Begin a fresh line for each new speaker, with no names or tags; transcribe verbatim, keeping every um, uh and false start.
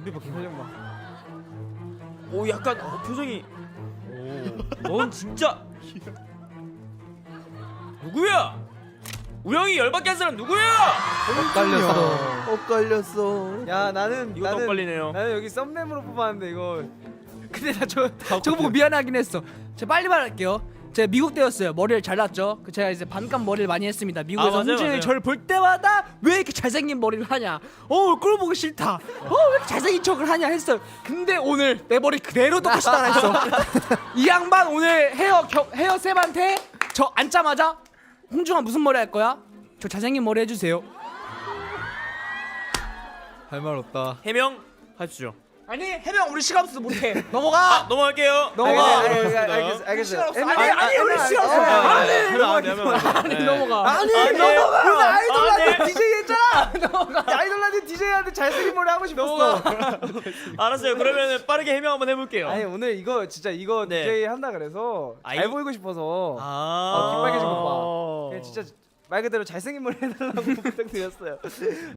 우리 봐 표정 봐.
오 약간 어, 표정이. 오, 넌 진짜 누구야? 우영이 열받게 한 사람 누구야?
엇갈렸어. 엇갈렸어.
야 나는
이것도
나는
엇갈리네요.
나는 여기 썸네임으로 뽑았는데 이거. 근데 나 저
저거 보고 미안하긴 했어. 제가 빨리 말할게요. 제가 미국 때였어요. 머리를 잘랐죠. 그 제가 이제 반감 머리를 많이 했습니다. 미국에서
아, 맞아요,
홍준영이
맞아요.
저를 볼 때마다 왜 이렇게 잘생긴 머리를 하냐. 어 꼴 보기 싫다. 어 왜 이렇게 잘생긴 척을 하냐 했어요. 근데 오늘 내 머리 그대로 똑같이 따라했어. 이 양반 오늘 헤어 겨, 헤어 쌤한테 저 앉자마자 홍중아 무슨 머리 할 거야? 저 잘생긴 머리 해주세요.
할 말 없다.
해명 하시죠.
아니 해명 우리 시간 없어서 못해. 넘어가.
넘어갈게요.
넘어가.
알겠어,
알겠습니다.
알겠어, 알겠어.
시간 없어.
애매-
아니
아,
아니 우리
애매-
시간 없어.
아, 아,
아니
해명 안 돼, 해명 안 돼.
아니
네.
넘어가.
아니
아니,
넘어가. 오늘 아이돌한테
아니.
디제이 했잖아. 아이돌한테 디제이한테 잘생긴 머리 하고 싶었어.
알았어요. 그러면 빠르게 해명 한번 해볼게요.
아니 오늘 이거 진짜 이거
네.
디제이 한다 그래서
아,
잘
이-
보이고 싶어서
아,
어, 깃빨개진 거 봐. 그냥 진짜 말 그대로 잘생긴 머리 해달라고 부탁드렸어요.